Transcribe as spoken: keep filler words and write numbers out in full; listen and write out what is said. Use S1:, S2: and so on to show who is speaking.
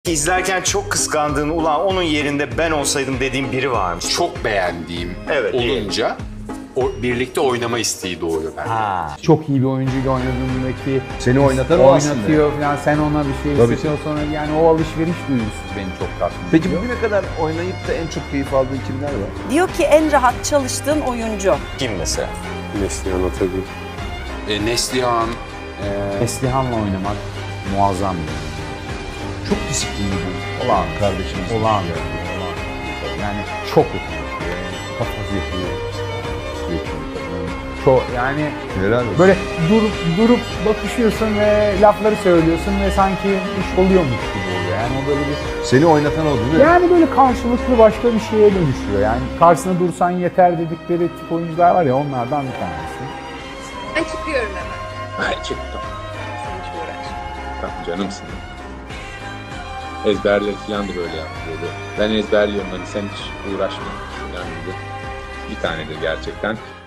S1: İzlerken çok kıskandığın, ulan onun yerinde ben olsaydım dediğin biri var mı?
S2: Çok beğendiğim
S1: Evet,
S2: olunca o, birlikte oynama isteği doğuyor bende.
S1: Ha.
S3: Çok iyi bir oyuncuyla oynadığındaki
S4: Seni oynatan o aslında.
S3: oynatıyor falan, sen ona bir şey
S4: Tabii.
S3: hissediyor sonra yani o alışveriş duygusu beni çok tatmin
S4: Peki
S3: ediyor.
S4: bugüne kadar oynayıp da en çok keyif aldığın kimler var?
S5: Diyor ki en rahat çalıştığın oyuncu.
S1: Kim mesela?
S6: Neslihan Atagül.
S2: E, Neslihan, e,
S3: Neslihan'la oynamak muazzam bir oyun. Çok disiplinli bir
S4: Olan kardeşimiz.
S3: olağan bir oyun, olağan. Yani çok yetenekli, kafası yetenekli. Çok yani
S4: Helal olsun.
S3: böyle durup durup bakışıyorsun ve lafları söylüyorsun ve sanki iş oluyormuş gibi oluyor. Yani o böyle bir
S4: Seni oynatan o değil mi?
S3: yani böyle karşılıklı başka bir şeye dönüşüyor. Yani karşısına dursan yeter dedikleri tip oyuncular var ya, onlardan bir tanesi.
S7: Ben çıkıyorum hemen.
S8: Ay çıktım.
S7: Sen hiç uğraşma.
S8: Tamam canımsın. Ezberleri falan da böyle yaptırıyordu. Ben ezberliyorum hani sen hiç uğraşma. Yani bir tanedir gerçekten.